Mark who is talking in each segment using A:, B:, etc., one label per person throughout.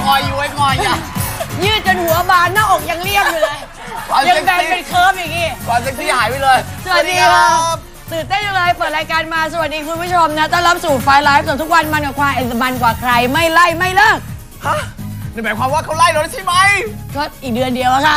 A: งอยอยู่ไว้งอยอ่ะ
B: ยืดจนหัวบานหน้าอกยังเรียบอยู่เลยยังแบนเป็นเคิร์ฟอย่างงี้
A: ก่อนเซ็กซี่หายไปเลย
B: สวัสดีครับตื่นเต้นจังเลยเปิดรายการมาสวัสดีคุณผู้ชมนะต้อนรับสู่ไฟไลฟ์สดทุกวันมันกว่าควายมันกว่าใครไม่ไล่ไม่เลิก
A: ฮะนี่หมายความว่าเขาไล่เราใช่ไหม
B: ก็อีกเดือนเดียวค่ะ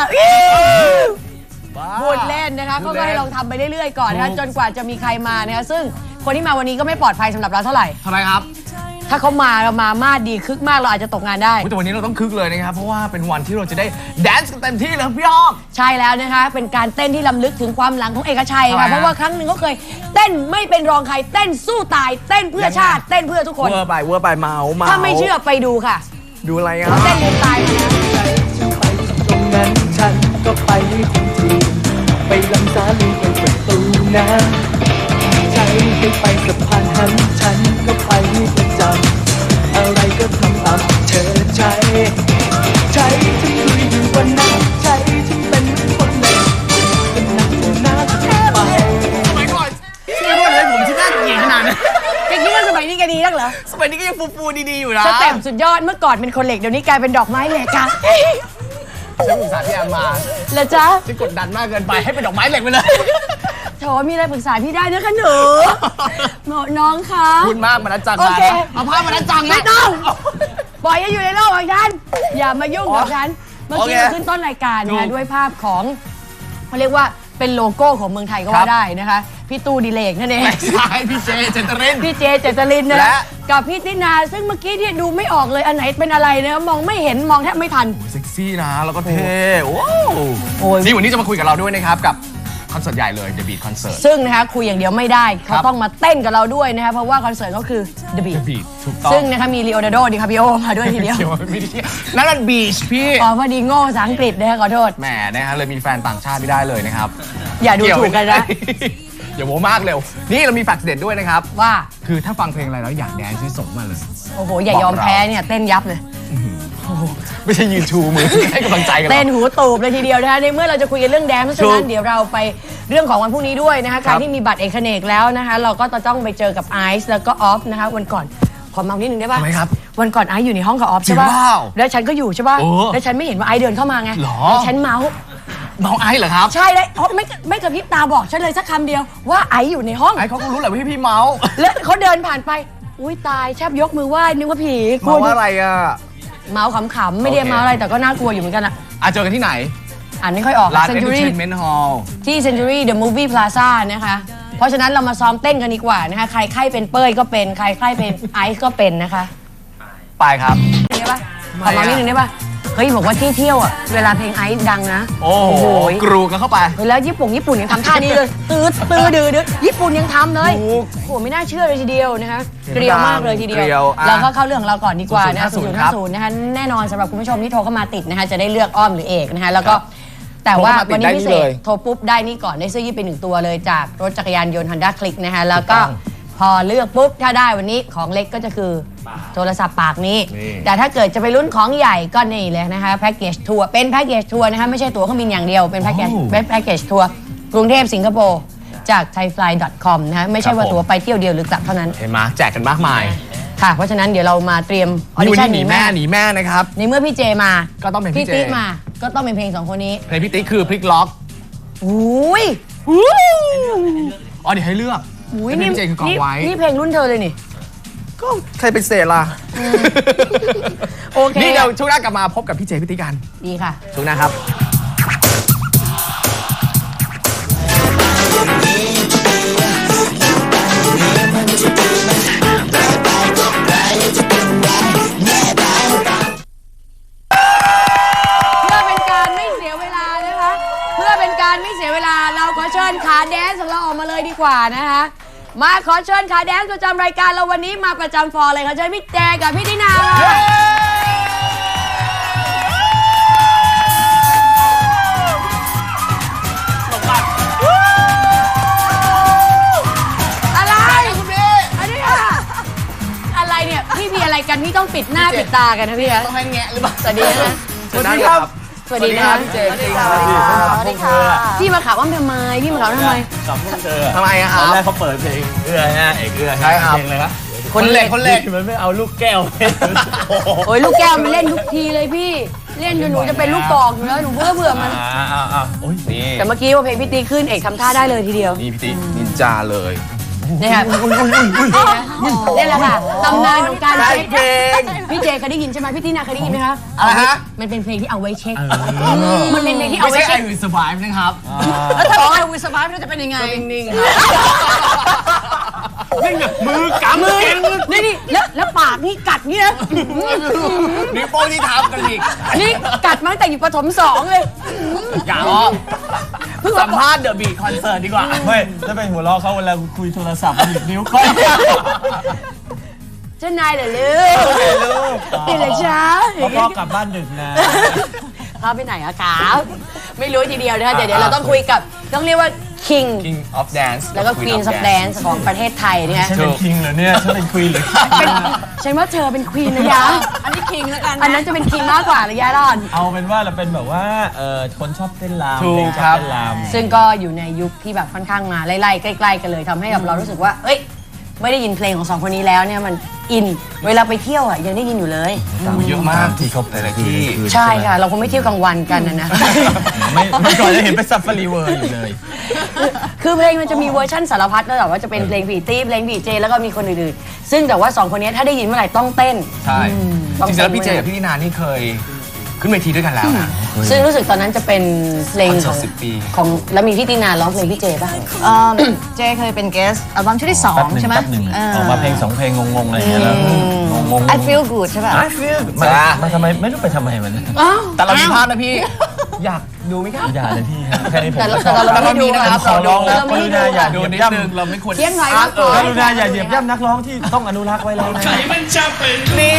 B: พูดเล่นนะคะเขาก็ให้ลองทำไปเรื่อยๆก่อนนะคะจนกว่าจะมีใครมานะคะซึ่งคนที่มาวันนี้ก็ไม่ปลอดภัยสำหรับเราเท่าไหร่
A: ทำไมครับ
B: ถ้าเขามาเรามาดีคึกมากเราอาจจะตกงานได้
A: แต่วันนี้เราต้องคึกเลยนะครับเพราะว่าเป็นวันที่เราจะได้แดนซ์กันเต็มที่เลยพี่อ้อม
B: ใช่แล้วนะคะเป็นการเต้นที่ล้ำลึกถึงความหลังของเอกชัยค่ะเพราะว่าครั้งหนึ่งเขาเคยเต้นไม่เป็นรองใครเต้นสู้ตายเต้นเพื่อชาติเต้นเพื่อทุกคน
A: เวอร์ไปเมา
B: ถ้าไม่เชื่อไปดูค่ะ
A: ดูอะไรอ่ะ
B: เต้นลืมตายมา
C: ตรงนั้นฉันก็ไปทันทีไปลำสาลีไปประตูน้ำใช้ไปสะพานหันฉันก็ไปประจำอะไรก็ทำตามเธอใจฉันลุยอยู่วันนั้นใจฉันเป็นคนเล็กเป็นนักหน้าไป
A: สมัยก่อนพี่ว่าเลยผมที่น่าเกลียดขนาดนั้น
B: แกคิดว่าสมัยนี้แกดีนักเหรอ
A: สมัยนี้ก็ยังฟูดีๆอยู่นะ
B: สเต็ปสุดยอดเมื่อก่อนเป็นคนเหล็กเดี๋ยวนี้กลายเป็นดอกไม้เหล็กค่ะ
A: ฉันปรึกษาพี่แอมมา
B: แล้วจ๊ะ
A: จะกดดันมากเกินไปให้เป็นดอกไม้เหล็กไปเลย
B: โถมีอะไรปรึกษาพี่ได้นะคะหนูน้องคะ
A: คุณมากมานัดจังมาเอาภาพมานัดจัง
B: ไม่ต้องปล่อยให้อยู่ในโลกของฉันอย่ามายุ่งกับฉันเมื่อกี้เราขึ้นต้นรายการนะด้วยภาพของเขาเรียกว่าเป็นโลโก้ของเมืองไทยก็ว่าได้นะคะพี่ตู้ดิเลกนั่นเอง
A: ใช่พี่เจเจตริน
B: พี่เจเจตรินนะกับพี่ตินาซึ่งเมื่อกี้ที่ดูไม่ออกเลยอันไหนเป็นอะไรนะมองไม่เห็นมองแทบไม่ทัน
A: เซ็กซี่นะแล้วก็เท่โอ้นี่วันนี้จะมาคุยกับเราด้วยนะครับกับคอนเสิร์ตใหญ่เลย The Beat Concert
B: ซึ่งนะคะคุยอย่างเดียวไม่ได้เขาต้องมาเต้นกับเราด้วยนะคะเพราะว่าคอนเสิร์ตก็คือ The Beat
A: ถูกต้อง
B: ซึ่งนะคะมีลีโอนาร์โด ดิคาปิโอมาด้วยทีเดียว
A: นั่นมันบีชพี่
B: อ๋อพอดีโง่ภาษาอังกฤษนะคะขอโทษ
A: แหมนะฮะเลยมีแฟนต่างชาติไม่ได้เลยนะครับ
B: อย่าดูถูกกันนะ
A: อย่าโม้มากเร็วนี่เรามีแฟกต์เด็ดด้วยนะครับ
B: ว่า
A: คือถ้าฟังเพลงอะไรแล้วอยากแดนซ์ที่ส่งมาเลย
B: โอ้โหอย่ายอมแพ้เนี่ยเต้นยับเลย
A: ไม่ใช่ยืนชูมือให้กำลังใจกัน
B: เต้นหูตูบเลยทีเดียวนะคะในเมื่อเราจะคุยกันเรื่องแดนซ์เพราะฉะนั้นเดี๋ยวเราไปเรื่องของวันพรุ่งนี้ด้วยนะคะใครที่มีบัตรเอกเนกแล้วนะคะเราก็จะต้องไปเจอกับไอซ์แล้วก็ออฟนะคะวันก่อนขอเมานิดนึงได้ป่ะวันก่อนไอซ์อยู่ในห้องกับออฟใช่ป่ะแล้วฉันก็อยู่ใช่ป่ะแล้วฉันไม่เห็นว่าไอซ์เดินเข้ามาไงแล้วฉันเมา
A: ไอซ์เหรอครับ
B: ใช่เลยไม่กระพริบตาบอกฉันเลยสักคำเดียวว่าไอซ์อยู่ในห้อง
A: ไอซ์เขาก็รู้แหละว่าพี่เมา
B: แล้วเขาเดินผ่านไปอุ้ยตายแทบยกมือไหว้นึกว่าผี
A: เมาอะไรอ่ะ
B: เมาขำๆไม่ได้เมาอะไรแต่ก็น่ากลัวอยู่เหมือนกันอะ
A: เจอกันที่ไหน
B: อ่านไม่ค่อยออก
A: ร้าน Entertainment Hall
B: ที่ Century The Movie Plaza นะคะเพราะฉะนั้นเรามาซ้อมเต้นกันดีกว่านะคะใครใครเป็นเป้ยก็เป็นใครใครเป็นไอซ์ก็เป็นนะคะ
A: ไปครับ
B: ได้ปะขอมานิดนึงได้ปะเฮ้ยบอกว่าที่เที่ยวอ่ะเวลาเพลงไอซ์ดังนะ
A: โอ้โหกรูกันเข้าไป
B: แล้วญี่ปุ่นยังทำท่านี้เลยตื้อดื้อญี่ปุ่นยังทำเลยโอ้โหไม่น่าเชื่อเลยทีเดียวนะคะเกลียวมากเลยทีเดียวเราก็เข้าเรื่องของเราก่อนดีกว่านะ0050นะคะแน่นอนสำหรับคุณผู้ชมที่โทรเข้ามาติดนะคะจะได้เลือกอ้อมหรือเอกนะคะแล้วก็แต่ว่าวันนี้พิเศษโทรปุ๊บได้นี่ก่อนได้เสื้อยืดไป1ตัวเลยจากรถจักรยานยนต์ Honda Click นะคะแล้วก็พอเลือกปุ๊บถ้าได้วันนี้ของเล็กก็จะคือโทรศัพท์ปากนี้แต่ถ้าเกิดจะไปลุ้นของใหญ่ก็นี่เลยนะคะแพ็กเกจทัวร์เป็นแพ็กเกจทัวร์นะคะไม่ใช่ตั๋วเครื่องบินอย่างเดียวเป็นแพ็กเกจทัวร์กรุงเทพสิงคโปร์จาก thaifly.com นะคะไม่ใช่ว่าตั๋วไปเที่ยวเดียวหรือกลับเท่านั้น
A: เห็นไหมแจกกันมากมาย
B: ค่ะเพราะฉะนั้นเดี๋ยวเรามาเตรียม
A: ออดิชั่นหนีแม่นะครับ
B: ในเมื่อพี่เจมา
A: ก็ต้องเป็นพี่
B: ติ๊กมาก็ต้องเป็นเพลง2คนนี้
A: เพลงพี่ติ๊กคือพลิกล็อก
B: อุ้ย
A: อ๋อเดี๋ยวให้เลือก
B: นี่เพลงรุ่นเธอเลยนี่
A: ก็ใครเป็นเศษล่ะ
B: โอเค
A: นี่เดี๋ยวช่วงหน้ากลับมาพบกับพี่เจพี่ติ๊กกัน
B: ดีค่ะ
A: ช่วงหน้าครับ
B: เราขอเชิญขาแดนซ์ของเราออกมาเลยดีกว่านะคะมาขอเชิญขาแดนซ์ประจำรายการเราวันนี้มาประจำฟอร์เลยค่ะเชิญพี่แจกับพี่ตินาอะไรคุณพี่อันนี้อะไรเนี่ยพี่มีอะไรกันพี่ต้องปิดหน้าปิดตากันนะพี่
A: ต้องให้แงะหรือเปล่า
B: สวัสดีนะ
A: สวัสดีครับ
B: สวัสดีนะครับ
A: พี่เจพี่
B: สวัสดีค่ะพี่มาข่าวว่าทำไมพี่มาข่าวทำไม
A: ทำไมครับ
C: ตอนแรกเขาเปิดเพลงเอื้อฮะเอกเอื้อ
A: ใช่ครับ
C: เพลงอะไรนะ
A: คนเหล็ก
C: มันไม่เอาลูกแก้ว
B: โอ้ยลูกแก้วมันเล่นทุกทีเลยพี่เล่นจนหนูจะเป็นลูกกอกอยู่แล้วหนูเบื่อมัน
A: โอ้ยนี่
B: แต่เมื่อกี้ว่าเพลงพี่ตีขึ้นเอกทำท่าได้เลยทีเดียว
A: นี่พี่ติ๊กนินจาเลย
B: นี่ค่ะนี่แหละค่ะตำนานของการเช็คพี่เจเคยได้ยินใช่ไหมพี่ตีนาเคยได้ยินไหมคะ
A: อะไรฮะ
B: มันเป็นเพลงที่เอาไว้เช็คมันเป็นเพลงที่เอา
A: ไม่
B: ไว้
A: ใช่
B: เช็ค
A: I Will Survive นะครับ
B: แล้วถ้าบอกไอ้วิสบายมันจะเป็นยังไง
A: นิ่งๆครับนี่ไงมือกำมือ
B: นี่แล้วปากนี่กัดนี่นะ
A: นิ้วโป้งที่ทำกันอีก
B: นี่กัดมาตั้งแต่อยู่ประถม2เลย
A: กาสัมภาษณ์เดอะบีทคอนเสิร์ตดีกว่า
C: ไม่ถ้าเป็นหัวเราะเขาเวลาคุยโทรศัพท์มันหยิบนิ้วก้อย
B: เจ้านายเหรอลูกนี่เลยจ้า
C: พ่อกลับบ้านดึกนะ
B: พ่อไปไหนอะครับไม่รู้ทีเดียวนะคะเดี๋ยวเราต้องคุยกับต้องเรียกว่า King
A: King of Dance
B: แล้วก็ Queen of Dance ของประเทศไทยเนี่ย
C: ฉันเป็นคิงเหรอเนี่ยฉันเป็นควีนหรือ
B: ฉันว่าเธอเป็น Queen นะยะอันนี้ King แล้วกันอันนั้นจะเป็น King มากกว่าระยะรอน
C: เอาเป็นว่าเราเป็นแบบว่าคนชอบเต้นรำ
A: ถูก
C: เพลงช
A: ครั
C: อบบ เต้นรำ
B: ซึ่งก็อยู่ในยุคที่แบบค่อนข้างมาไล่ๆใกล้ๆกันเลยทำให้แบบเรารู้สึกว่าเอ้ยไม่ได้ยินเพลงของสองคนนี้แล้วเนี่ยมันอินเวลาไปเที่ยวอ่ะยังได้ยินอยู่เลย
A: เยอะมากที่เขาแต่ละที่
B: ใช่ค่ะเราคงไม่เที่ยวกลางวันกันนะ
C: ไม่ก่อนจะเห็นไปซัฟฟารีเวิร์อยู่เลย
B: คือเพลงมันจะมีเวอร์ชั่นสารพัดนะแต่ว่าจะเป็นเพลงผีตี้เพลงผีเจแล้วก็มีคนอื่นๆซึ่งแต่ว่าสองคนนี้ถ้าได้ยินเมื่อไหร่ต้องเต้น
A: ใช่จริงๆแล้วพี่เจกับพี่นินานี่เคยขึ้นเวทีด้วยกันแล้วนะ
B: ซึ่งรู้สึกตอนนั้นจะเป็นเพลง
A: คอนเสิ
B: ข
A: ร์
B: อง
A: ต10 ปี
B: ของแล้วมีพี่ตินาร้องเพลงพี่เจป่ะ
D: เจเคยเป็นเกสอัลบั้มชุดที่
C: แป๊บห
D: 2
C: นึ่ง
D: ใช่ไหม
C: แป๊บหนึ่งออกมาเพลง2เพลงงงๆอะไรอย่างเงี้ยแล้วงง
D: I feel good ใช่ป่ะ
C: I feel มันทำไมไม่รู้ไปทำไมมัน
A: แต่เรามีภาพนะพี่ อยากดูไหมครับ
C: อย่าเลยพี่แค่นี้ผม
B: แต่
C: ก็ชอบ
B: เราไม่ดูนะครับ
C: ขอร้องแล้วกรุณาอย่า
A: ดู
C: เหยียบ
A: นิด
C: ย่ำ
A: นึงเราไม่ควร
B: เที่ยงหน่อยครับ
C: กรุณาอย่าเหยียบย่ำนักร้องที่ต้องอนุรักษ์ไว้แล้วนะ
E: ใครมันจะเป็นนี่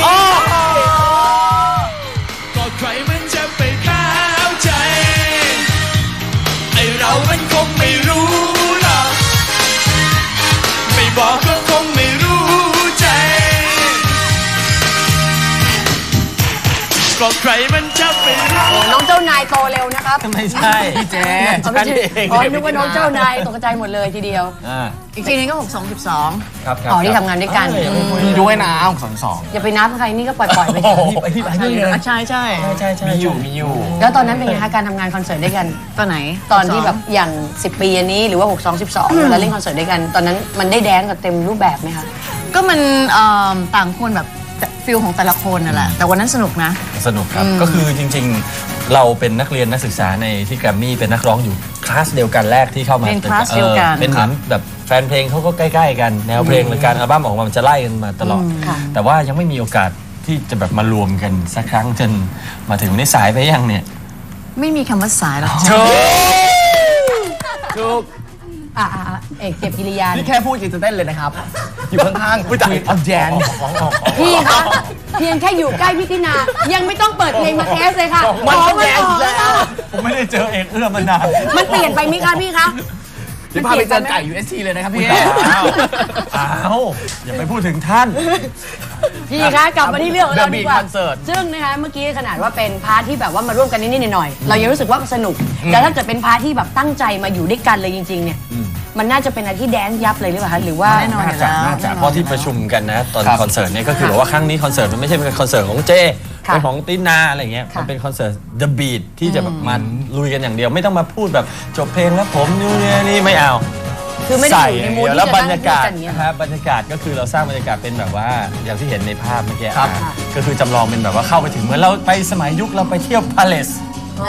E: ก็ใครมันจะไปเข้าใจ ไอเรามันคงไม่รู้หรอก ไม่บอกก็คงไม่รู้ใจ ก็ใครมันจะไปรู้
B: น้องเจ้านายโตเร็วนะครับ
C: ไม่ใช่
A: พี่เจ
B: เอาไม่ใช่อ๋อนึกว่าน้องเจ้านายตกใจหมดเลยทีเดียว
D: อีกทีนึงก็ 62
C: ครับ
B: อ๋อที่ทำงานด้วยกัน
A: มีด้วยนะสอง
B: อย่าไปนับใครนี่ก็ปล่อยๆไป
C: โอ้โหไอ้ที่ไปนี่เลย
D: ใช่ใช่
C: ใช่ใช่
A: มีอยู่
B: แล้วตอนนั้นเป็นไงคะการทำงานคอนเสิร์ตด้วยกัน
D: ตัวไหน
B: ตอนที่แบบอย่าง 10 ปีอันนี้หรือว่า 6 2 12เวลาเล่นคอนเสิร์ตด้วยกัน ตอนนั้นมันได้แดนซ์กันเต็มรูปแบบไหมคะ
D: ก็มันต่างคนแบบฟิลของแต่ละคนนั่นแหละ แต่วันนั้นสนุกนะ
C: สนุกครับ ก็คือจริงๆ เราเป็นนักเรียนนักศึกษาในที่แกรมมี่เป็นนักร้องอยู่คลาสเดียวกันแรกที่เข้ามา
D: เป็นคลาสเดียวกัน
C: เป็นเหมือนแบบแฟนเพลงเขาก็ใกล้ๆกันแนวเพลงหรือการอัลบั้มออกมามันจะไล่กันมาตลอด
B: ค่ะ
C: แต่ว่ายังไม่มีโอกาสที่จะแบบมารวมกันสักครั้งจนมาถึงในสายไปยังเนี่ย
D: ไม่มีคำว่าสายหรอก
A: ถูก
B: เอกเก็บกิริยา
A: นี่แค่พูดจะเต้นเลยนะครับ อยู่ข้างๆคุยออฟแจน
B: พี่คะเพียงแค่อยู่ใกล้พี่ตินา ยังไม่ต้องเปิดเพลงมาเทสเลยค่ะ
A: มันก็แดน
B: ขอ
A: แล้ว
C: ผมไม่ได้เจอเอกเอื้อมานาน
B: มันเปลี่ยนไปไหมคะพี่คะ
A: เดี๋ยวพาไปเจอไก่ UST เลยนะครับพี่
C: อ้าวอย่าไปพูดถึงท่าน
B: พี่คะกลับมาที่เรื่องของเราดีกว่า
A: The Beat Concert
B: ซึ่งนะคะเมื่อกี้ขนาดว่าเป็นพาร์ทที่แบบว่ามาร่วมกันนิดๆหน่อยๆเรายังรู้สึกว่าสนุก แต่ถ้าเกิดเป็นพาร์ทที่แบบตั้งใจมาอยู่ด้วยกันเลยจริงๆเนี่ยมันน่าจะเป็นอะไรที่แดนซ์ยับเลยหรือเปล่าคะหรือว่า
D: แน่นอนอยู่แล้ว
C: น่าจะเพราะที่ประชุมกันนะตอน
A: ครับ
C: คอนเสิร์ตเนี่ยก็คือบอกว่าครั้งนี้คอนเสิร์ตมันไม่ใช่เป็นคอนเสิร์ตของเจ
B: ค่ะ
C: เป็นของตินาอะไรเงี้ย
B: ค่ะ
C: มันเป็นคอนเสิร์ต The Beat ที่จะแบบมาลุยกันอย่างเดียวไม่ต้องมาพูดแบบจบเพลงแล้วผมนี่ไม่เอา
B: คือไม่ได้
C: ใส่
B: อยู่ในมูด
C: อย่างเดียว
B: ที่
C: แล้ว
B: จะ
C: บร
B: นั่ง
C: รยากาศ
B: พูดกันอย่างเงี้ย
C: นะครับบรรยากาศก็คือเราสร้างบรรยากาศเป็นแบบว่าอย่างที่เห็นในภาพเมื่อกี้
A: ครับ
C: ก็คือจำลองเป็นแบบว่าเข้าไปถึงเหมือนเราไปสมัยยุคเราไปเที่ยวพาเลส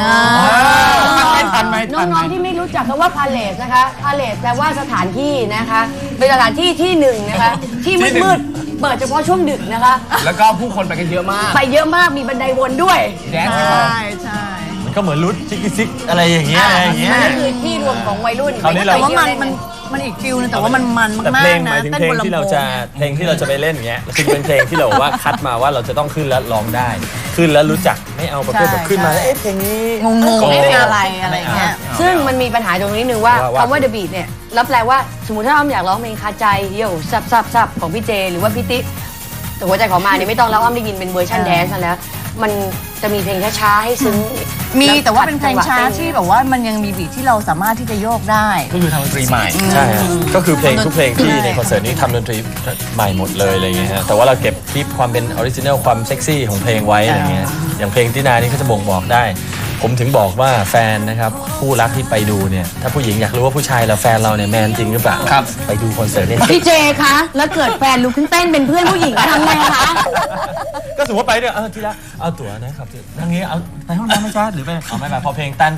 A: ทันไหม
B: น้องๆที่ไม่รู้จักคำว่าพาเลสนะคะพาเลสแปลว่าสถานที่นะคะเป็นสถานที่ที่หนึ่งนะคะที่มืดๆเปิดเฉพาะช่วงดึกนะคะ
A: แล้วก็ผู้คนไปกันเยอะมาก
B: ไปเยอะมากมีบันไดวนด้วย
A: แดนซ์
D: ใช่ใช่
C: มันก็เหมือนรุดซิกซิกอะไรอย่างเงี้ยอะไรอย่างเงี้ย
B: นั่นคือที่รวมของวัยรุ่น
C: คราวนี้เรา
D: แต่ว่า
B: ไปเที่ย
D: มัน
B: เล่
D: มันอีกฟิลนึงแต่ว่ามันม
C: แต่
D: าก
C: เพลง
D: ๆ
C: ห
D: นะ
C: มายถึง
D: เต้น
C: เพลง
D: บนลำ
C: ที่เรา
D: โพ
C: จะ
D: ง
C: เพลงที่เราจะไปเล่นอย่างเงี้ยคือเป็นเพลงที่เราว่าคัดมาว่าเราจะต้องขึ้นแล้วร้องได้ ขึ้นแล้วรู้จักไม่เอาประเภทแบบขึ้นมาแล้วเอ๊ะเพลงนี้
D: งงๆไม่เป็นอะไรอะไรอย่างเงี้ย
B: ซึ่งมันมีปัญหาตรงนี้นึงว่า
C: ว่า
B: คำว่า The Beat เนี่ยรับแปลว่าสมมติถ้าอ้อมอยากร้องเพลงคาใจโย่ซับของพี่เจหรือว่าพี่ติ๊กแต่หัวใจของมาเนี่ยไม่ต้องแล้วอ้อมได้ยินเป็นเวอร์ชันแดนซ์มาแล้วมันจะมีเพลงช้าๆให้ซึ้ง
D: มีแต่ว่าเป็นเพลงช้าที่แบบว่ามันยังมีบีทที่เราสามารถที่จะโยกได้
A: ก็คือทำดนตรีใหม่
F: ใช่ฮะก็คือเพลงทุกเพลงที่ในคอนเสิร์ตนี้ทำดนตรีใหม่หมดเลยอะไรเงี้ยฮะแต่ว่าเราเก็บคลิปความเป็นออริจินัลความเซ็กซี่ของเพลงไว้อะไรเงี้ยอย่างเพลงที่นานี่ก็จะบ่งบอกได้ ผมถึงบอกว่าแฟนนะครับคู่รักที่ไปดูเนี่ยถ้าผู้หญิงอยากรู้ว่าผู้ชายเราแฟนเราเนี่ยแมนจริงหรือเปล่า
A: ครับ
F: ไปดูคอนเสิร์ตเนี่ย
B: พี่เจคะแล้วเกิดแฟนลุกขึ้นเต้นเป็นเพื่อนผู้หญิงทำไงคะ
F: ก็สมมติไปเนี่ยทีละเอาตั๋วนะครับทางนี้เอาไปห้องน้ำไหมจ๊ะหรือไปเอาไม่ไปพอเพลงตัน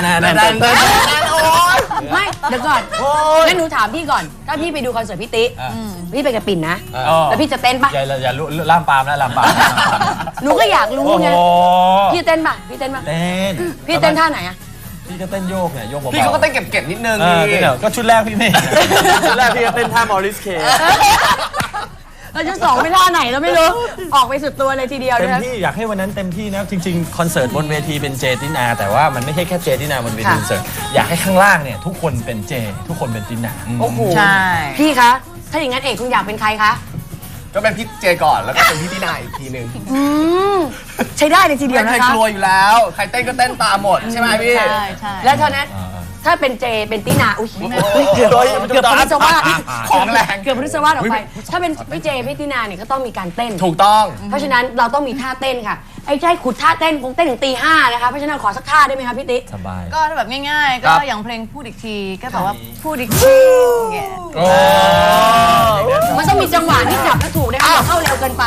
B: ไม่เดี๋ยวก่อนงั้นหนูถามพี่ก่อน ถ้าพี่ไปดูคอนเสิร์ตพี่ติ๊พี่ไปกับปิ่นนะ แล้วพี่จะเต้นปะ
F: อย่าล่ามปามนะล่ามปาม
B: หนูก็อยากรู้ไง
F: โอ้
B: พี่เต้นปะพี่เต้นปะ
F: เต้น
B: พี่เต้นท่าไหนอะ
F: พี่ก็เต้นโยกเนี่ยโยกเบาๆ
A: พี่เขาก็เต้นเก็บๆนิดนึง
F: นี่ก็ชุดแรกพี่ไม่ชุดแรกพี่ก็เต้นท่ามอริสเค
B: เราจะสองไม่ท่าไหนเราไม่รู้ ออกไปสุดตัวเลยทีเดียว
F: เต็ม
B: นะ
F: ที่อยากให้วันนั้นเต็มที่นะจริงๆคอนเสิร์ตบนเวทีเป็นเจตินาแต่ว่ามันไม่ใช่แค่เจตินาบนเวทีคอนเสิร์ตอยากให้ข้างล่างเนี่ยทุกคนเป็นเจทุกคนเป็นตินา
B: โอ้โห
D: ใช่
B: พี่คะ ถ้าอย่างนั้นเอกคุณอยากเป็นใครคะ
A: ก็เป็นพี่เจก่อนแล้วก็เป็นพี่ตินาอีกทีนึง
B: ใช้ได้เลยทีเดียว
A: ไม่
B: นะ
A: เคย
B: คะ
A: กลัวอยู่แล้วใครเต้นก็เต้นตามหมดใช่ไหมพี่
D: ใช่
B: แล้วเท่านั้นถ้าเป็นเจเป็นตินาอุ้ยเกือบพฤษวาส
A: ของแรง
B: เกือบพฤษวาสออกไป ถ้าเป็นพี่เจพี่ตินาเนี่ยก็ต้องมีการเต้น
A: ถูกต้อง
B: เพราะฉะนั้นเราต้องมีท่าเต้นค่ะไอ้ใช่ขุดท่าเต้นคงเต้นถึงตี 5นะคะเพราะฉะนั้นขอสักท่าได้ไหมคะพี่ติ๊ก
F: สบาย
D: ก็แบบง่ายๆ ก็อย่างเพลงพูดอีกทีก็แบบว่าพูดอีกทีอย่างเงี้ย
A: โอ้
B: มันต้องมีจังหวะที่จับและถูกนะคะอย่าเข้าเร็วเกินไป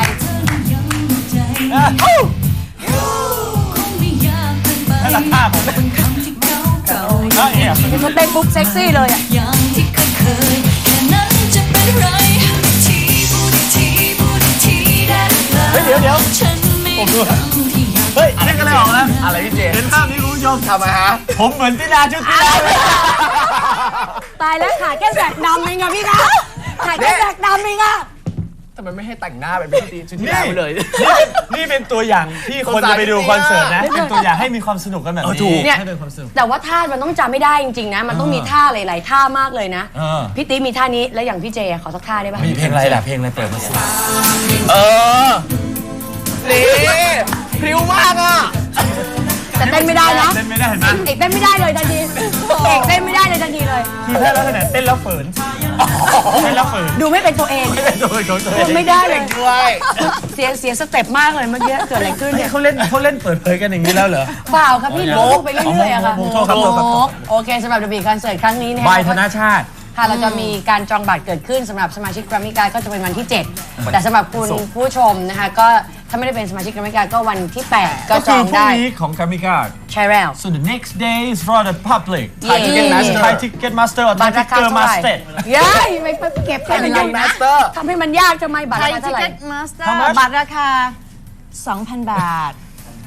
B: เขาเต้นปุ๊บเซ็กซี่เลยอ่ะ
G: อย่างที่เคยแค่นั้นจะเป็นไรทีพูดทีพูดทีได้เฮ้ยเดี๋ยวฉันไม่ต้องที่อยาก
F: เฮ้ยนี่ก็เลยออกนะ
A: อะไรพี่เจ
F: เห็นภาพนี้คุณผู้ชม
A: ทำไมฮะ
F: ผมเหมือนตินาชุดตินาเลย
B: ตายแล้วขาแค่แสกดำเองอะพี่คะขาแค่แสกดำเองอะ
A: ทำไมไม่ให้แต่งหน้าเป็นพี่ชุดที่แล้วไปเลย
F: นี่เป็นตัวอย่างที่คนจะไปดูคอนเสิร์ตนะเป็นตัวอย่างให้มีความสนุกกันแบบนี้
B: เนี่ย
F: ให้เป็นความสนุก
B: แต่ว่าท่ามันต้องจำไม่ได้จริงๆนะ มันต้องมีท่าหลายๆท่ามากเลยนะ
F: เออ
B: พี่ติ๊กมีท่านี้แล้วอย่างพี่เจขอสักท่าได้ป่ะ
F: มีเพลงอะไรล่ะเพลงอะไรเปิดมาสิ
A: เออ นี่พริ้วมากอ่ะ
B: แต่เต้นไม่ได้นะ
F: เต้นไม่ได้เห็นไหม
B: เอกเต้นไม่ได้เลยทันทีเอกเต้นไม่ได้เลยทันทีเลย
F: คือแค่ลักษณะเต้นแล้วเฟิร์นเต้นแล้วเฟิร์น
B: ดูไม่เป็นตัวเอง
F: โดยของตัวเอง
B: ไม่ได้เลย
A: ด้วย
B: เสียสเต็ปมากเลยเมื่อกี้เกิดอะไรขึ้นเนี่ย
F: เขาเล่นเปิดเผยกันอย่างนี้แล้วเหรอ
B: เปล่าครับพี่โมกไปเรื่อยๆอะค่ะ
F: โมกครับโมกครับ
B: โมกโอเคสำหรับ The Beat Concert ครั้งนี้นะ
F: บายธนชาติ
B: ค่ะเราจะมีการจองบัตรเกิดขึ้นสำหรับสมาชิกแกรมมี่การ์ดก็จะเป็นวันที่ 7 แต่สำหรับคุณผู้ชมนะคะก็ถ้าไม่ได้เป็นสมาชิกแกรมมี่การ์ดก็วันที่ 8 ก็จองได้
F: ก็คือพรุ่งนี้ของ Kamika
B: ใช่แล้ว
F: so the next day is for the public
B: Thai
A: Ticketmaster
F: Thai Ticketmaster or
B: บั
F: Thai
B: ตรราคาเท่าไหร่
F: Ticketmaster
B: ย้ายไม่เก็บให้มันยากนะ
A: Ticketmaster
B: ทำให้มันยากทำไมบัตร
D: ไท
B: ราย คา
D: ทิ
B: เท่าไหร่
D: เก็ตมาสเตอ
F: How
D: ร์
F: much?
D: บัตรราคา 2,000 บาท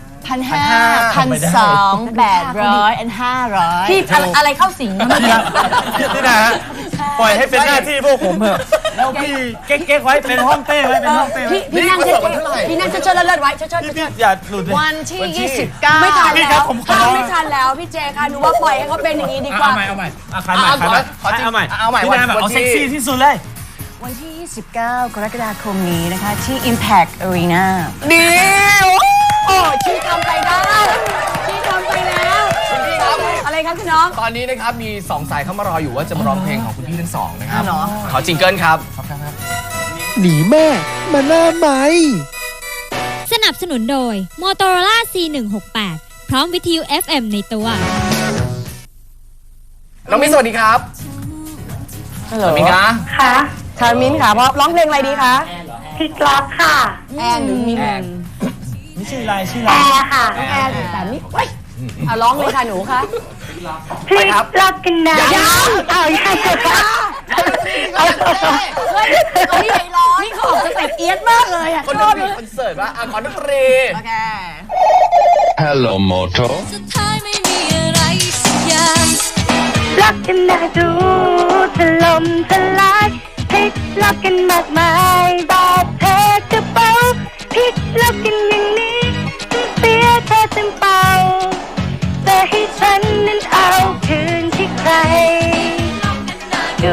D: 1,500
F: ไม่ได้
D: 1,200 800 500
B: พี่อะไรเข้าสิงมัน
F: นี่นะฮะปล่อยให้เป็นหน้าที่พวกผมเถอะแล้วพี่เก๊กๆไว้เป็นห้องเต้ไว้เป็นห้องเต้ไว้
B: พี่นั่งเฉยๆพี่นั่งเฉยๆเลิศๆไว้เฉย
F: พี่อย่าหลุดเลย
D: วันที่ 29
B: ไม่ทัน
F: พี่ค
B: แล้
F: รับ
B: ว
F: ผมขอ
B: ข้ามไม่ทันแล้วพี่เจค่ะหนูว่าปล่อยให้เขาเป็นอย่างนี้ดีกว่า
F: เอาใหม่ขายใหม่เอาใหม่ พี่นาแบบเอาเซ็กซี่ที่สุดเลย
D: วันที่ 29 กรกฎาคมนี้นะคะ ที่ Impact Arena
B: ดีโอ้ชี้ทำไปได้ชี้ทำไปแล้วอะไรครับคุณน้อง
A: ตอนนี้นะครับมี2สายเข้ามารออยู่ว่าจะมาร้องเพลงของคุณพี่ทั้งสองนะครับ
D: เหรอ
A: ขอจิงเกิลครับ
C: หนีแม่มาหน้าไหม
H: สนับสนุนโดย Motorola C168 พร้อมวิทยุ FM ในตัว
A: น้องมิ้นสวัสดีครับสวัสดีครับ
B: ค่ะค่ะมิ้นค่ะเพราะร้องเพลงอะไรดีคะ
I: พลิกล็อกค่ะ
B: แอนหรือมิ้น
F: นี่ชื่ออะไรชื่อ
I: แอ
F: อะไร
I: ร์ค่ะ
B: แอนแต่นี่เว้ยเอาร้องเลยค่ะหนูคะ
I: พลิกล็อกกันนะเอายัง
B: เฮ้ยนี่เขาออกสเต็ปเอียดมากเลยอ่ะ
A: คน
B: ช
A: ดู
B: อบ
A: มี
B: เลย
A: คอนเสิร์ตว่าขอดนตรี
D: โอเค
G: Hello Moto
H: สุดท้ายไม่มีอะไรสักอย่าง
I: ล็อกกันนะดูถล่มทลายพลิกล็อกกันมากมายแบบเธอกระเป๋าพลิกล็อกกันอย่างนี้เสียเธอเต็มเป่าแต่ให้ฉันนั้นเอาคืนที่ใครดู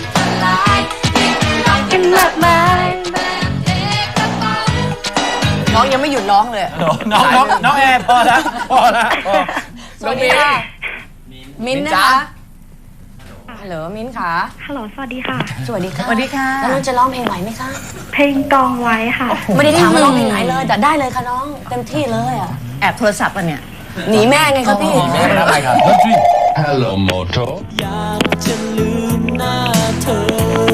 I: กันมากมาย
B: น้องยังไม่หยุดร้องเลย
F: น้องแอร์พอแล้วพอ
B: สวัสดีค่ะมิ้นท์นะคะฮัลโหลมิ้นท์ค่ะ
I: ฮัลโหลสวัสดีค่ะ
B: สวัสดีค่ะ
D: สวัสดีค่ะ
B: แล้วน้องจะร้องเพลงไหวไหมคะ
I: เพลงกองไว้ค่ะ
B: ไม่ได้ถามว่าร้องเพลงไหนเลยแต่ได้เลยค่ะน้องเต็มที่เลยอ่ะ
D: แอบโทรศัพท์อ่ะเนี่ย
B: หนีแม่ไงครับพี่
A: ไม่ได้ไปครับ
E: Hello Moto
C: อยากจะลืมหน้าเธอ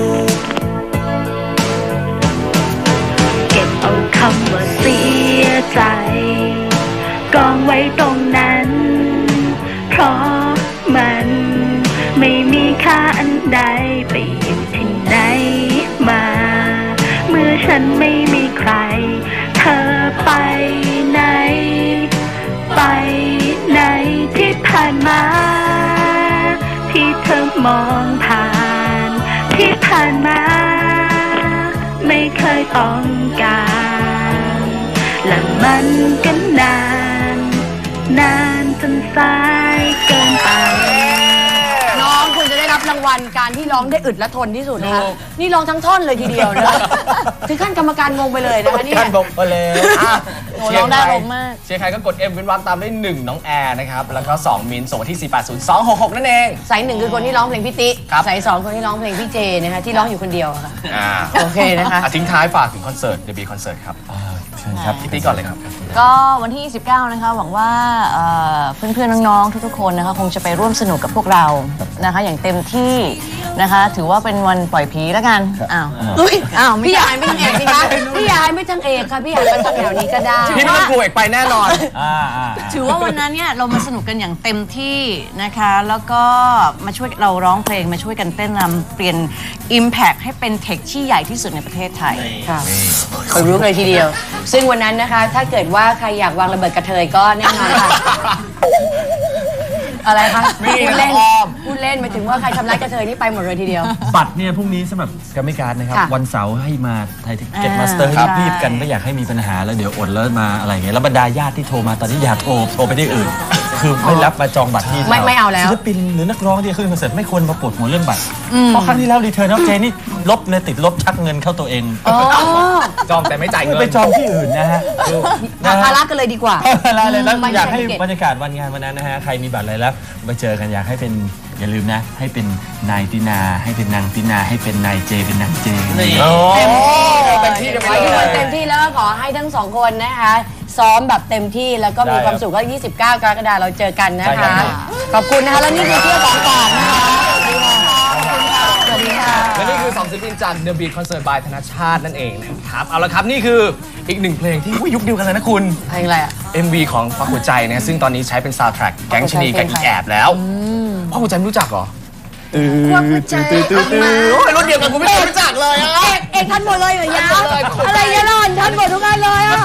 I: เก็บเอาคำว่าเสียใจกองไว้ตรงนั้น เพราะมันไม่มีค่าอันใดไปอยู่ที่ไหนมา เมื่อฉันไม่มีใคร เธอไปไหน ไปไหนที่ผ่านมา ที่เธอมองผ่าน ที่ผ่านมา ไม่เคยต้องการ และมันก็นาน นานจนสายเกินไป
B: น้องคุณจะได้รับรางวัลการที่ร้องได้อึดและทนที่สุดนะคะนี่ร้องทั้งท่อนเลยทีเดียวนะถึงขั้นกรรมการงงไปเลยนะคะเนี่ย
F: การบอกไปเลย
B: โอ้ร้องได้ผมมาก
A: เชียร์ใครก็กด M เว้นวรรคตามด้วย1น้องแอร์นะครับแล้วก็2มิ้นท์ส่งมาที่ 480-266 นั่นเอง
B: สายหนึ่งคือคนที่ร้องเพลงพี่ติ
A: ครับ
B: สายสองคนที่ร้องเพลงพี่เจนะคะที่ร้องอยู่คนเดียวอะค่ะ โอเคนะคะ
A: ทิ้งท้ายฝากถึงคอนเสิร์ต The Beat Concert ครับ
F: เชิญครับ
A: พี่ติ๊กก่อนเลยครับ
D: ก็วันที่ 29 นะคะหวังว่าเพื่อนๆ น้องๆ ทุกๆ คนนะคะคงจะไปร่วมสนุกกับพวกเรานะคะอย่างเต็มที่นะคะถือว่าเป็นวันปล่อยผีแล้วกันอ้าวไม่
B: พี่อยากให้ไม่ทางเอกสิคะพี่อยากให้ไม่ทางเอกค่ะพี่อยากไปทางแถวนี้ก็ได้
A: พี่ไม่ต้องกลัวอีกไปแน่นอน
D: ถือว่าวันนั้นเนี่ยเรามาสนุกกันอย่างเต็มที่นะคะแล้วก็มาช่วยเราร้องเพลงมาช่วยกันเต้นรำเปลี่ยน Impact ให้เป็นเทคที่ใหญ่ที่สุดในประเทศไทย
B: ค่ะเขารู้เลยทีเดียว ซึ่งวันนั้นนะคะ ถ้าเกิดว่าใครอยากวางระเบิดกระเทยก็แน่นอนค่ะ อะไรคะ
A: ไม่
B: พูดเล่น
A: อ้อม
B: พูดเล่นหมายถึงว่าใครทำร้ายกระเทยนี่ไปหมดเลยทีเดียว
F: บัตรเนี่ยพรุ่งนี้สำหรับกรรมการนะครับ
B: ค่ะ
F: วันเสาร์ให้มาไทยทิเก็ตมาสเตอร์
D: ครับ
F: รีบๆกันไม่อยากให้มีปัญหาแล้วเดี๋ยวอดแล้วมาอะไรอย่างเงี้ยแล้วบรรดาญาติที่โทรมาตอนนี้อย่าโทรไปที่อื่น คือไม่รับมาจองบัตรที่
B: ไม่เอาแล้ว
F: ศิลปินหรือนักร้องที่ขึ้นคอนเสิร์ตไม่ควรมาปวดหัวเรื่องบัตรเพราะครั้งที่แล้วรีเทิร์นออฟเจนี่ลบเนี่ยติดลบชักเงินเข้าตัวเอง
B: อ๋อ
A: จองแต่ไม่จ่ายเงิน
F: ไปจองที่อื่นนะฮะ
B: หาภาระกันเลยดีกว่า
F: อะไรเลยแล้ว
B: ไม่
F: อยากให้
B: ไม่เก็บ
F: บรรยากาศวันงานวันนั้นนะฮะใครมีบัตรอะไรแล้วมาเจอกันอยากให้เป็นอย่าลืมนะ ให้เป็นนายตินาให้เป็นนางตินาให้เป็นนายเจเป็นนางเจ
A: โอ้เต็มที่กัน
B: ข
A: ไป
B: อให้ทุก
A: เล
B: คน
A: ย
B: เต็มที่แล้วก็ขอให้ทั้งสองคนนะคะ ซ้อมแบบเต็มที่แล้วก็มีความสุขก็ 29 กรกฎาคมเราเจอกันนะคะ ขอบคุณนะคะ แล้วนี่คือเที่ยวของฝากนะคะสวัสดีค่ะ
A: และนี่คือ2ศิลปินจาก The Beat Concert by ธนชาตินั่นเองนะครับ เอาละครับนี่คืออีกหนึ่งเพลงที่ยุคเดียวกันเลยนะคุณ
B: เพลงอะไรอ่ะ
A: MV ของควักหัวใจนะซึ่งตอนนี้ใช้เป็นซาวด์แทร็กแก๊งชะนีกับอีแอบแล้วควักหัวใจไม่รู้จักเหรอ
B: ควักหัวใจออกมา
A: โอ้ยรุ่นเดียวกันกูไม่เคยรู้จักเลยอะ
B: เอกทันหมดเลยเหรอยาวอะไรยะล่อนทันหมดทุกอันเลยอ่ะ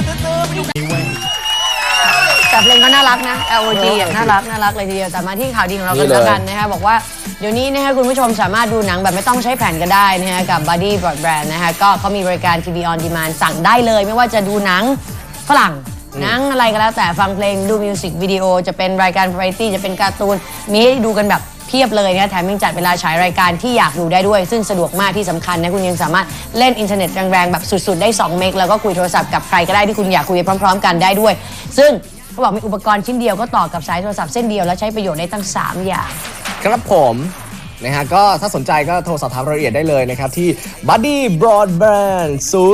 B: แต่เพลงก็น่ารักนะ LOG อ่ะน่ารักเลยทีเดียวแต่มาที่ข่าวดีของเรากันแล้วกันนะคะบอกว่าเดี๋ยวนี้นะคะคุณผู้ชมสามารถดูหนังแบบไม่ต้องใช้แผ่นก็ได้นะคะกับ Buddy Broadband นะคะก็เขามีบริการ TV on demand สั่งได้เลยไม่ว่าจะดูหนังฝรั่งหนังอะไรก็แล้วแต่ฟังเพลงดูมิวสิกวิดีโอจะเป็นรายการ variety จะเป็นการ์ตูนมีให้ดูกันแบบเพียบเลยนะแถมยังจัดเวลาฉายรายการที่อยากดูได้ด้วย ซึ่งสะดวกมากที่สำคัญนะคุณยังสามารถเล่นอินเทอร์เน็ตแรงๆแบบสุดๆได้2เมกแล้วก็คุยโทรศัพท์กับใครก็ได้ที่คุณอยากคุยพร้อมๆกันได้ด้วย ซึ่งเขาบอกมีอุปกรณ์ชิ้นเดียวก็ต่อกับสายโทรศัพท์เส้นเดียวแล้วใช้ประโยชน์ได้ตั้ง3อย่าง
A: ครับผมนะฮะก็ถ้าสนใจก็โทรสอบถามรายละเอียดได้เลยนะครับที่ Buddy Broadband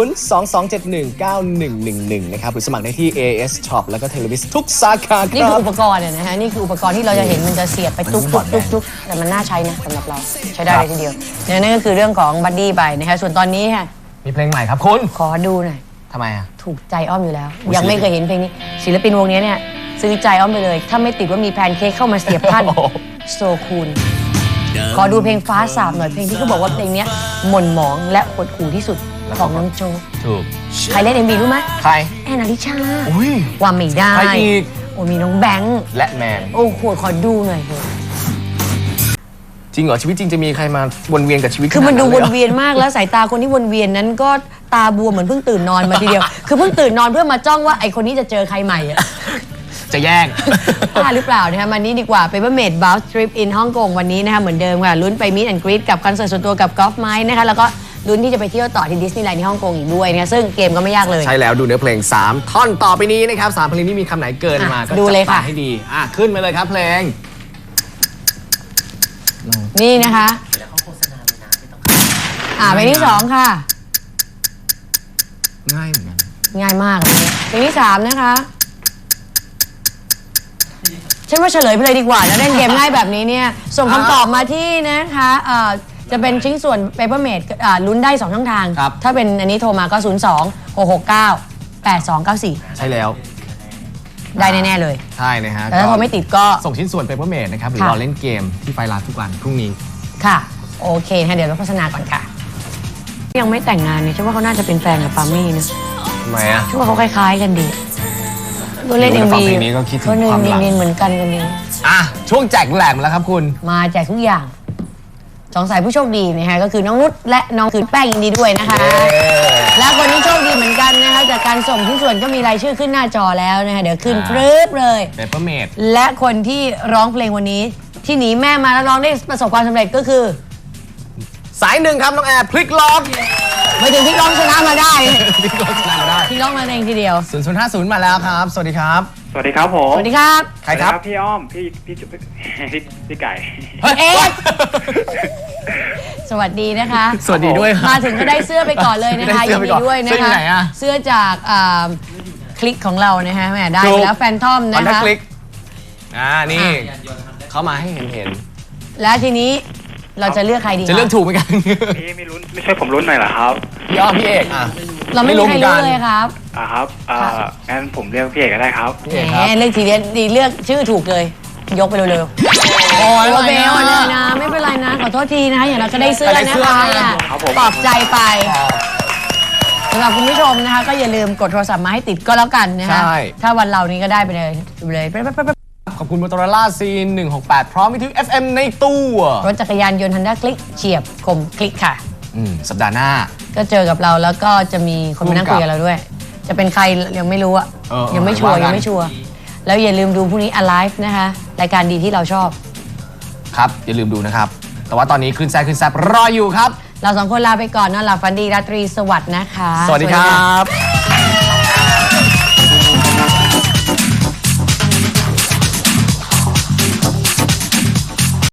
A: 022719111 นะครับหรือสมัครได้ที่ AS Shop แล้วก็ Televis ทุกสาขาค
B: นี่
A: รั
B: คือบ อุปกรณ์เนี่ยนะฮะนี่คืออุปกรณ์ที่เราจะเห็นมันจะเสียบไปตุ๊กแต่มันน่าใช้นะสำหรับเราใช้ได้เลยทีเดียวเนี่ยนั่นก็คือเรื่องของบัดดี้ไปนะคะส่วนตอนนี้ค่ะ
A: มีเพลงใหม่ครับคุณ
B: ขอดูหน่อย
A: ทำไมอ่ะ
B: ถูกใจอ้อมอยู่แล้ว ยังไม่เคยเห็นเพลงนี้ศิลปินวงนี้เนี่ยซื้อใจอ้อมไปเลย ถ้าไม่ติดว่ามีแพนเค้กเข้ามาเสียบพันโซคูลขอดูเพลงฟ้าสาบหน่อยเพลงที่เขาบอกว่าเพลงนี้หม่นหมองและหดหู่ที่สุดของน้องโจ
A: ถูก
B: ใครเล่น MV รู้ไหม
A: ใคร
B: แอนอลิชา
A: อุ้ย
B: ว่าไม่ได้
A: ใครอีก
B: โอ้มีน้องแบงค์
A: และแมน
B: โอ้โหขอดูหน่อยเถอะ
A: จริงเหรอชีวิตจริงจะมีใครมาวนเวียนกับชีวิต
B: คือมันดู
A: ขา
B: วน
A: เลยหรอ
B: เวียนมากแล้วสายตาคนที่วนเวียนนั้นก็ตาบวมเหมือนเพิ่งตื่นนอนมาทีเดียว คือเพิ่งตื่นนอนเพื่อมาจ้องว่าไอคนนี้จะเจอใครใหม่อะ
A: จะแย่ง
B: พลาดหรือเปล่านะคะมันนี้ดีกว่า Papermate Bounce Trip in ฮ่องกงวันนี้นะคะเหมือนเดิมค่ะลุ้นไป Meet and Greet กับคอนเสิร์ตส่วนตัวกับกอล์ฟไม้นะคะแล้วก็ลุ้นที่จะไปเที่ยวต่อที่ดิสนีย์แลนด์ที่ฮ่องกงอีกด้วยนะซึ่งเกมก็ไม่ยากเลย
A: ใช่แล้วดูเนื้อเพลง 3 ท่อนต่อไปนี้นะครับ3เพลงนี้มีคำไหนเกินมาก็
B: ดูเลย
A: จัด
B: ค่ะ
A: มาให้ดีขึ้นมาเลยครับเพลง
B: นี่นะคะเพลงที่ 2 ค่ะ
A: ง่ายเหมือนกัน
B: ง่ายมากเลยเพลงที่ 3 นะคะฉันว่าเฉลยไปเลยดีกว่าแล้วเล่นเกมง่ายแบบนี้เนี่ยส่งคำตอบมาที่นะคะจะเป็นชิ้นส่วน Papermate ลุ้นได้ 2 ช่องทาง ถ้าเป็นอันนี้โทรมาก็ 02-669-8294
A: ใช่แล้ว
B: ได้แน่ๆเลย
A: ใช่นะฮะ
B: แต่ถ้าโทรไม่ติดก็
A: ส่งชิ้นส่วน Papermate นะครับหรือ
B: ค่ะ
A: รอเล่นเกมที่ไฟลาทุกวันพรุ่งนี้
B: ค่ะโอเคนะเดี๋ยวเราโฆษณาก่อนค่ะยังไม่แต่งงานเนี่ยฉันว่าเขาน่าจะเป็นแฟนกับปามี่นะ
A: ทำไมอ่ะ
B: ฉันว่าเขาคล้ายๆกันดีก็เล่น
A: ดู
B: เอ็ม
A: แล้วฟั
B: วี
A: งเพลงนี้ก็คิดถึง
B: เขาเล่น
A: ความหลัง
B: เนียนๆเหมือนกันกันดี
A: ช่วงแจกแหลมแล้วครับคุณ
B: มาแจกทุกอย่างสองสายผู้โชคดีนะคะก็คือน้องนุชและน้องคือแป้งยินดีด้วยนะคะ และคนที่โชคดีเหมือนกันนะคะจากการส่งชิ้นส่วนก็มีรายชื่อขึ้นหน้าจอแล้วนะคะเดี๋ยวขึ้นปรึ๊บเลย
A: Papermate
B: และคนที่ร้องเพลงวันนี้ที่หนีแม่มาแล้วร้องได้ประสบความสำเร็จก็คือ
A: สายหนึ่งครับน้องแอร์พลิกล็อก
B: ไม่ถึงพี่ร้องชนะมาได้
A: พลิกล็อกชนะมาได้
B: พี่ร้องมาเองทีเดียว
A: 0050มาแล้วครับ สวัสดีครับ
J: สวัสดีครับผม
B: สวัสดีครับ
A: ใครครับ
J: พี่อ้อม พี่ไก่
B: เอ๊ะสวัสดีนะคะ
A: สวัสดีด้วยครับ
B: มาถึงก็ได้เสื้อไปก่อนเลยนะคะ
A: ได้เสื้
B: ยิ
A: อน ไป
B: ดี
A: ก่อน
B: ด้วยนะ
A: เสื้ออยู่
B: คะ
A: ไหนอะ
B: เสื้อจากคลิกของเรานะฮะแหมได้ไปแล้วแฟนทอม
A: ออน
B: นะ
A: ดัก
B: คะ
A: คลิกนี่เขามาให้เห็น
B: และทีนี้เราจะเลือกใครดี
A: จะเลือกถูกไหมกัน
J: พี่ไม่ช่วยผมลุ้นหน่อยเหรอครับ
A: พี่อ้อมพี่เอก
B: เราไม่มีใครรู้เลยครับ
J: ครับงั้นผมเรียกพี่เอกก็ได้ครับ
A: พี่เอก
B: แห
A: ครับ
B: มเลือกทีเดียวดีเลือกชื่อถูกเลย ยกไปเร็วๆโอ้ยเบลเลยนะไม่เป็นไรนะขอโทษทีนะคะอย่างเราก็ได้เสื้อนะคะ
J: ครับผม
B: ปลอบใจไปสำหรับคุณผู้ชมนะคะก็อย่าลืมกดโทรศัพท์มาให้ติดก็แล้วกันนะคะ
A: ใช่
B: ถ้าวันเรานี้ก็ได้ไปเลย
A: ขอบคุณ Motorola C168 พร้อมวิทยุ FM ในตู้
B: รถจักรยานยนต์ Honda คลิกเฉียบคมคลิกค่ะ
A: สัปดาห์หน้า
B: ก็เจอกับเราแล้วก็จะมีคนมานั่งคุยกับเราด้วย จะเป็นใครยังไม่รู้อะ ยังไม่ชัวร์
A: ว่ากัน
B: ยังไม่ชัวร์แล้วอย่าลืมดูพรุ่งนี้ Alive นะคะรายการดีที่เราชอบ
A: ครับ อย่าลืมดูนะครับ แต่ว่าตอนนี้คลื่นแซ่บคลื่นแซ่บรออยู่ครับ
B: เราสองคนลาไปก่อนนอนหลับฝันดีราตรีสวัสดิ์นะคะ
A: สวัสดีครับ